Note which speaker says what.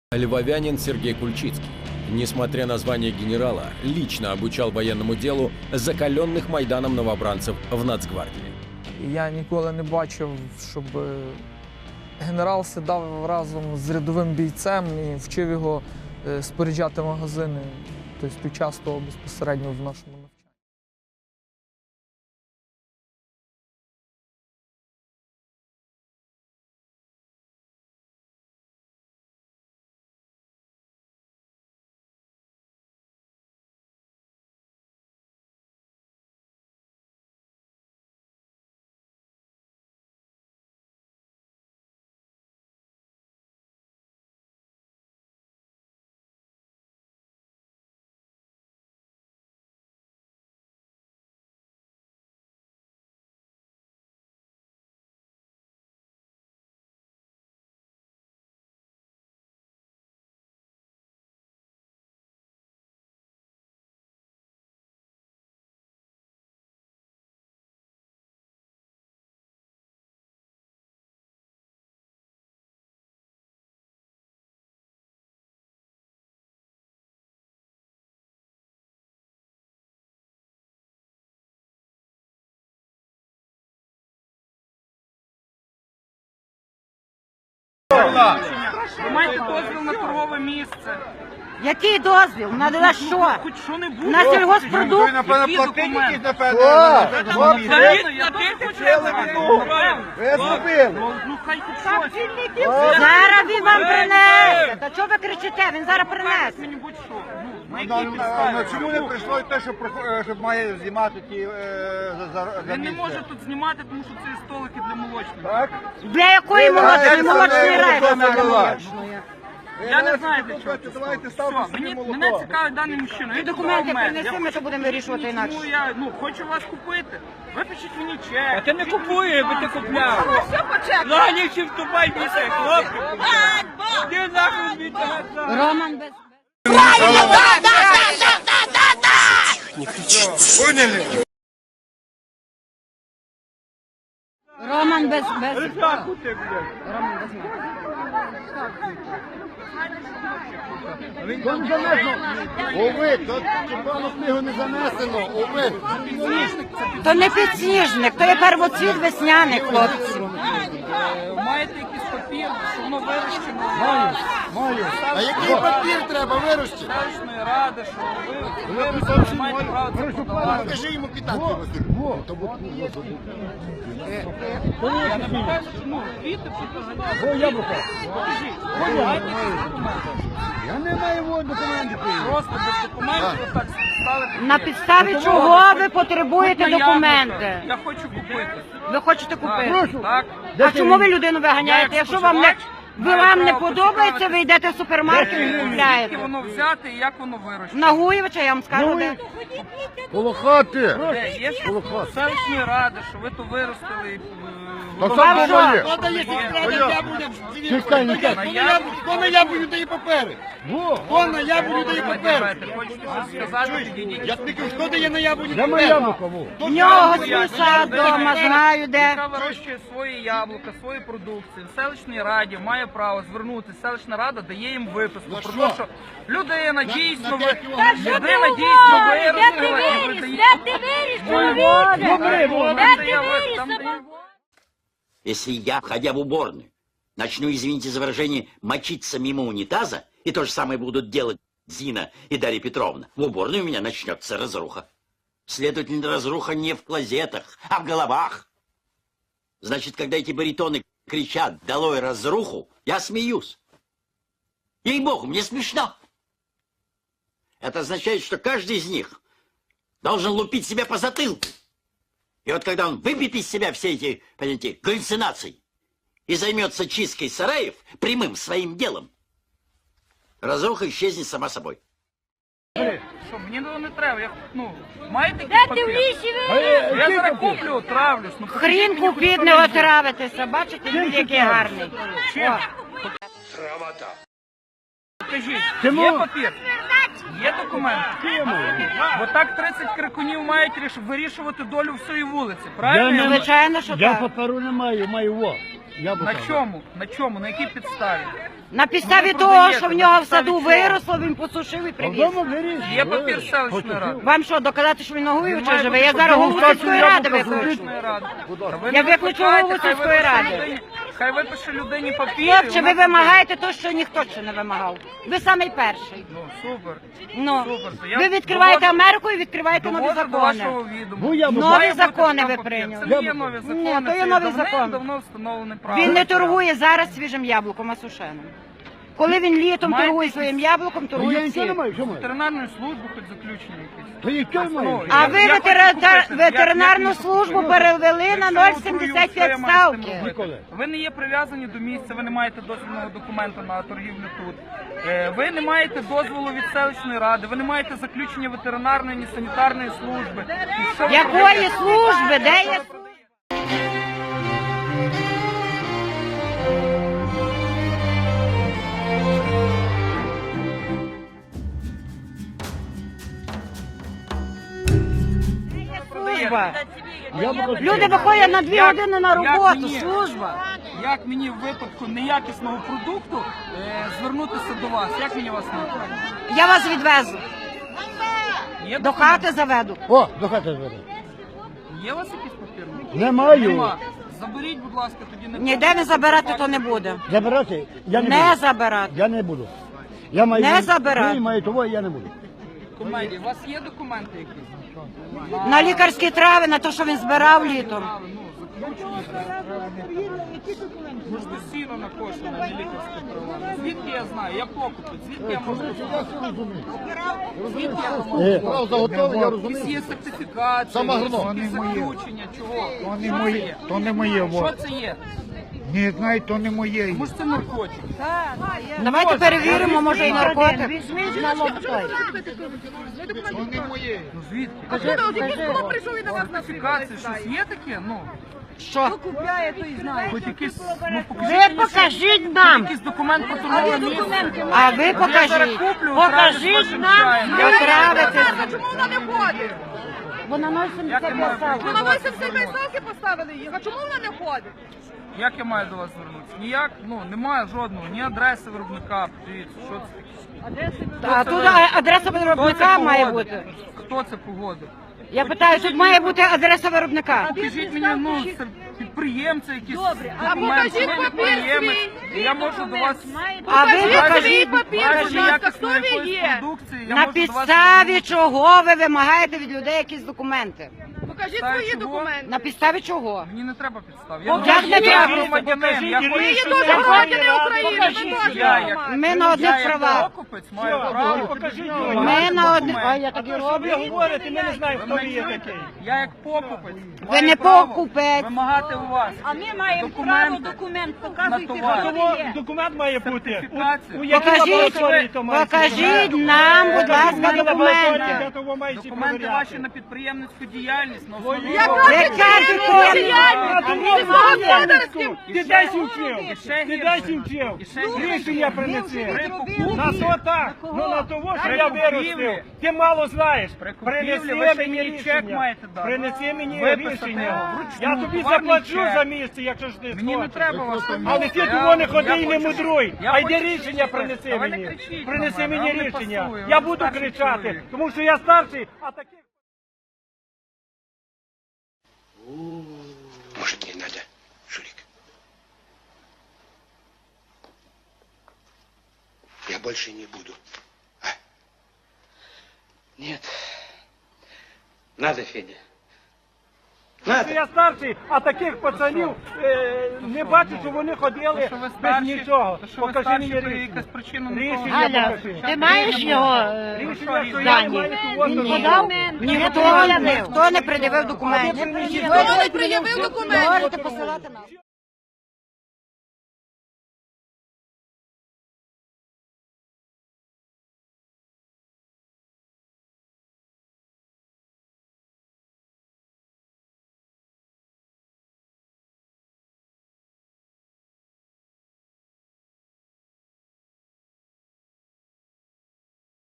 Speaker 1: Львовянин Сергей Кульчицкий, несмотря на звание генерала, лично обучал военному делу закаленных Майданом новобранцев в Нацгвардії.
Speaker 2: Я ніколи не бачив, щоб генерал сідав разом з рядовим бійцем і вчив його споряджати магазини, тобто під час того безпосередньо в нашому навчанні.
Speaker 3: Ви маєте дозвіл на торгове місце.
Speaker 4: Який дозвіл? На що?
Speaker 3: Хоч що-небудь.
Speaker 4: На сільгоспродукт?
Speaker 3: Які документи? Ну хай хоч щось.
Speaker 4: Зараз він вам принесе. Та чого ви кричите? Він зараз принесе.
Speaker 3: Мені будь-що. На якій підставі?
Speaker 5: Чому не прийшло те, щоб має знімати ті за
Speaker 3: Він не
Speaker 5: місце?
Speaker 3: може тут знімати, тому що це столики для молочних.
Speaker 5: Так?
Speaker 4: Для якої молочної? Молочної райони для
Speaker 5: була.
Speaker 4: молочної.
Speaker 3: Я не знаю, для чого це.
Speaker 5: Давайте ставте
Speaker 3: Все,
Speaker 5: собі молоко.
Speaker 3: мене цікавить даний мужчина.
Speaker 4: Ти
Speaker 3: Він
Speaker 4: документи
Speaker 3: купував мед.
Speaker 4: принеси, ми що будемо вирішувати інакше.
Speaker 3: Тому я хочу вас купити. Випишіть мені чек.
Speaker 6: А ти не купуєш, бо ти купляв. Ладніше вступай більше, хлопці. Ти нахуй бійте.
Speaker 4: Роман без... Роман без...
Speaker 6: Ржаку ти, блядь.
Speaker 4: Роман без...
Speaker 5: Ови, то червону книгу не занесено, ови.
Speaker 4: То не підсніжник, то є первоцвіт весняний, хлопці.
Speaker 3: Маєте якийсь папір, що воно вирощено?
Speaker 5: Маю. А який папір треба вирощити?
Speaker 3: Селищної ради, що ви вирощено, маєте право це подавати.
Speaker 5: Покажи йому питати.
Speaker 3: Я не покажу, ну, квіти, покажіть.
Speaker 5: Я не маю документів.
Speaker 3: Просто без документів отак стали.
Speaker 4: На підставі чого ви потребуєте документи?
Speaker 3: Я хочу купити.
Speaker 4: Ви хочете купити?
Speaker 3: Так.
Speaker 4: А чому ви людину виганяєте? Якщо вам не подобається, ви йдете в супермаркет і
Speaker 3: Звідки
Speaker 4: купляєте.
Speaker 3: воно взяти і як воно вирощено?
Speaker 4: На Гуєвича я вам скажу, де.
Speaker 5: Коло хати.
Speaker 3: Де? Є селищної ради, що ви то виростили.
Speaker 5: Та
Speaker 4: Вам
Speaker 5: сам
Speaker 4: що?
Speaker 5: Чекай, хто на яблуню дає папери? Хто на яблуню дає папери?
Speaker 3: Хочете щось сказати, підійдіть.
Speaker 5: Я тобі кажу, хто дає на яблуню папери?
Speaker 4: В нього свій сад вдома, знаю де.
Speaker 3: Яка вирощує свої яблука, свої продукції. В селищній раді має право звернутися. Селищна рада дає їм виписку. Про те, що людина дійсно виростила і видає.
Speaker 7: Если я, входя в уборную, начну, извините за выражение, мочиться мимо унитаза, и то же самое будут делать Зина и Дарья Петровна, в уборной у меня начнется разруха. Следовательно, разруха не в клозетах, а в головах. Значит, когда эти баритоны кричат «Долой разруху», я смеюсь. Ей-богу, мне смешно. Это означает, что каждый из них должен лупить себя по затылку. И вот когда он выбьет из себя все эти, понимаете, галлюцинации и займется чисткой сараев прямым своим делом, разруха исчезнет сама собой.
Speaker 3: Що, мені не треба, я, маєте якийсь папір? Я зараз куплю, травлюсь.
Speaker 4: Хрін купіть, не отравитеся. Бачите, він який гарний.
Speaker 3: Чим? Покажіть, є папір? Є документ? Бо так 30 крикунів мають вирішувати долю всієї вулиці, правильно?
Speaker 4: Звичайно, що
Speaker 6: Я
Speaker 4: так.
Speaker 6: паперу не маю, маю во.
Speaker 3: На чому? На чому? На якій підставі?
Speaker 4: На підставі того, що в нього в саду виросло, він посушив і привіз.
Speaker 3: Є папір селищної ради.
Speaker 4: Вам що, доказати, що він ногуючий живе? Я зараз голову сільської ради викличу.
Speaker 3: Селищної ради. Та ви
Speaker 4: Я
Speaker 3: не
Speaker 4: виключу
Speaker 3: викликайте,
Speaker 4: голову
Speaker 3: хай
Speaker 4: сільської
Speaker 3: випише
Speaker 4: ради.
Speaker 3: людині- Хай випише людині папір.
Speaker 4: Хлопче, ви вимагаєте те, що ніхто ще не вимагав. Ви самий перший.
Speaker 3: Ну, супер.
Speaker 4: Ну,
Speaker 3: Супер. То я
Speaker 4: ви відкриваєте
Speaker 3: доводжу-
Speaker 4: Америку і відкриваєте нові
Speaker 3: Доводжу до
Speaker 4: закони.
Speaker 3: вашого відома.
Speaker 4: Нові
Speaker 3: Має бути
Speaker 4: закони
Speaker 3: така
Speaker 4: ви
Speaker 3: папір.
Speaker 4: прийняли.
Speaker 3: Це не є нові закони,
Speaker 4: Ні, то є
Speaker 3: це
Speaker 4: нові
Speaker 3: давним-
Speaker 4: закони.
Speaker 3: давно встановлене право.
Speaker 4: Він не торгує зараз свіжим яблуком, а сушеним. Коли він літом
Speaker 3: Маєте
Speaker 4: торгує своїм яблуком, торгує всі.
Speaker 3: Ветеринарної служби хоч заключення якесь.
Speaker 4: А ви
Speaker 3: Я хочу купити.
Speaker 4: ветеринарну
Speaker 3: Я
Speaker 4: службу
Speaker 3: куплю.
Speaker 4: перевели на
Speaker 3: Якщо отруюсь, що
Speaker 4: 0,75
Speaker 3: я маю з тим
Speaker 4: ставки.
Speaker 3: робити? Ви не є прив'язані до місця, ви не маєте дозвільного документу на торгівлю тут. Ви не маєте дозволу від селищної ради, ви не маєте заключення ветеринарної, ні санітарної служби. І що ви
Speaker 4: Якої
Speaker 3: продаєте?
Speaker 4: служби? Де є? Служба. Люди виходять на 2 години на роботу.
Speaker 3: мені?
Speaker 4: Служба.
Speaker 3: Як мені в випадку неякісного продукту звернутися до вас? Як мені вас знайти?
Speaker 4: Я вас відвезу.
Speaker 3: Є
Speaker 4: До
Speaker 3: документ?
Speaker 4: хати заведу.
Speaker 5: О, до хати зведе.
Speaker 3: Є у вас якийсь папір?
Speaker 5: Немає.
Speaker 3: Нема. Заберіть, будь ласка, тоді не
Speaker 4: Ніде не забирати, то не буде.
Speaker 5: Забирати? Я не
Speaker 4: Не
Speaker 5: буду.
Speaker 4: забирати.
Speaker 5: Я не буду. Я маю,
Speaker 4: Не забирати.
Speaker 5: Ви маю того, я не буду.
Speaker 3: Комедії. У вас є документи якісь?
Speaker 4: На лікарські трави, на те, що він збирав літом.
Speaker 3: Може, сіно накошено, не лікарське права. Звідки я знаю? Я покупець. Звідки я можу? Звідки я можу?
Speaker 5: Право заготовлення, я
Speaker 3: Якісь
Speaker 5: розумію.
Speaker 3: є сертифікації,
Speaker 5: Сам агроном.
Speaker 3: якісь заключення, чого?
Speaker 8: То не
Speaker 3: Що це
Speaker 8: моє,
Speaker 3: є?
Speaker 8: то не моє.
Speaker 3: Що
Speaker 8: Во.
Speaker 3: це є?
Speaker 8: Не знаю, то не моє.
Speaker 3: Може це наркотик?
Speaker 4: Давайте перевіримо, може і наркотик.
Speaker 8: То не моє.
Speaker 3: Ну звідки? Сертифікації, щось є таке? Ну,
Speaker 4: Що?
Speaker 3: хоч якийсь, ну
Speaker 4: Ви покажіть нам.
Speaker 3: якийсь документ про торгове місце.
Speaker 4: А ви
Speaker 3: Я зараз
Speaker 4: покажіть.
Speaker 3: куплю,
Speaker 4: Покажіть нам. Отравитися.
Speaker 9: Чому вона не ходить?
Speaker 4: Вона
Speaker 3: Як я маю
Speaker 4: 0,75
Speaker 3: прийти
Speaker 9: Вона
Speaker 3: до вас?
Speaker 9: 87 ставки поставили їх. А чому вона не ходить?
Speaker 3: Як я маю до вас звернутися? Ніяк, ну немає жодного, ні адреси виробника. Подивіться, що це таке?
Speaker 4: А тут адреса виробника має бути.
Speaker 3: Хто це погодив?
Speaker 4: Я питаю, тут має бути адреса виробника.
Speaker 3: Покажіть мені, ну, це підприємця, якісь
Speaker 9: А
Speaker 3: документи,
Speaker 9: покажіть
Speaker 3: ви
Speaker 9: папір
Speaker 3: підприємець,
Speaker 9: свій,
Speaker 3: і я можу до вас...
Speaker 4: А ви
Speaker 9: Покажіть свій
Speaker 4: покажіть.
Speaker 9: папір,
Speaker 3: Разі
Speaker 9: будь ласка, хто
Speaker 3: якісної
Speaker 9: ви
Speaker 3: якоїсь
Speaker 9: є?
Speaker 3: продукції, я
Speaker 4: На
Speaker 3: можу до вас
Speaker 4: підставі
Speaker 3: звернутися.
Speaker 4: чого ви вимагаєте від людей якісь документи?
Speaker 9: Покажіть
Speaker 3: Підставі
Speaker 9: свої
Speaker 3: чого?
Speaker 9: документи.
Speaker 4: На підставі чого?
Speaker 3: Мені не треба підстав.
Speaker 4: Як не
Speaker 3: Я
Speaker 4: треба?
Speaker 3: громадянин, я
Speaker 9: Ви є
Speaker 3: хочу...
Speaker 9: дуже громадяни України, ви теж
Speaker 3: Я як-
Speaker 9: громадяни.
Speaker 4: Ми на
Speaker 3: Я
Speaker 4: одних
Speaker 3: як
Speaker 4: правах.
Speaker 3: покупець маю право...
Speaker 4: Ми на одних... А я так і роблю.
Speaker 6: говорите, ми не знаємо, хто
Speaker 3: Ви
Speaker 6: ви
Speaker 3: мене
Speaker 6: є
Speaker 3: чуєте?
Speaker 6: такий.
Speaker 3: Я як покупець
Speaker 4: Ви
Speaker 3: маю
Speaker 4: не
Speaker 3: право
Speaker 4: покупець.
Speaker 3: вимагати у вас
Speaker 4: А ми маємо
Speaker 3: документ
Speaker 4: документ
Speaker 3: на товар.
Speaker 6: Документ має бути.
Speaker 3: Сертифікацію.
Speaker 6: У якій лабораторії то має
Speaker 4: Покажіть нам, будь ласка, документи.
Speaker 3: Документи ваші на підприємницьку діяльність. На основі
Speaker 9: Яка
Speaker 3: чого?
Speaker 4: Яка підприємницька?
Speaker 9: Сільськогосподарським.
Speaker 6: Ти дай вчив.
Speaker 3: І ще
Speaker 6: Ти дай
Speaker 3: гірше.
Speaker 6: вчив.
Speaker 3: І ще гірше.
Speaker 6: Рішення принеси.
Speaker 3: При покупці.
Speaker 6: На то так. Ну на того, що
Speaker 3: При
Speaker 6: я
Speaker 3: купівлі.
Speaker 6: виростив. Ти мало знаєш.
Speaker 3: При купівлі
Speaker 6: Принеси
Speaker 3: ви ще
Speaker 6: мені
Speaker 3: мені чек
Speaker 6: рішення.
Speaker 3: маєте дати.
Speaker 6: Принеси мені
Speaker 3: Виписати
Speaker 6: рішення.
Speaker 3: його вручну,
Speaker 6: Я тобі
Speaker 3: товарний
Speaker 6: заплачу
Speaker 3: чек.
Speaker 6: за місце, якщо ж ти
Speaker 3: Мені не
Speaker 6: схочеш.
Speaker 3: треба вас там.
Speaker 6: Але ти
Speaker 3: Я-
Speaker 6: того не
Speaker 3: я
Speaker 6: ходи і не
Speaker 3: хочу-
Speaker 6: мудруй.
Speaker 3: я
Speaker 6: А йди
Speaker 3: хочу
Speaker 6: рішення
Speaker 3: щось
Speaker 6: принеси
Speaker 3: А ви не
Speaker 6: мені.
Speaker 3: кричіть
Speaker 6: Принеси
Speaker 3: на мене,
Speaker 6: мені
Speaker 3: вам не
Speaker 6: рішення.
Speaker 3: пасує,
Speaker 6: Я
Speaker 3: ви
Speaker 6: буду
Speaker 3: старший
Speaker 6: кричати,
Speaker 3: чоловік.
Speaker 6: тому що я старший, а таких...
Speaker 10: Может, не надо, Шурик? Я больше не буду. А? Нет. Надо, Федя. Надо.
Speaker 6: Я старший, а таких пацанів не бачу, що вони ходили
Speaker 3: що ви
Speaker 6: без
Speaker 3: старші,
Speaker 6: нічого.
Speaker 3: то що ви
Speaker 6: Покажи
Speaker 3: старші,
Speaker 6: мені
Speaker 3: то є
Speaker 6: рішення.
Speaker 3: якась причина на
Speaker 6: Рішення покажи.
Speaker 4: Ти маєш його
Speaker 6: Рішення, що я не маю кого-то
Speaker 4: ніхто не пред'явив документів.
Speaker 9: Ніхто не пред'явив документів.
Speaker 4: Можете посилати нас.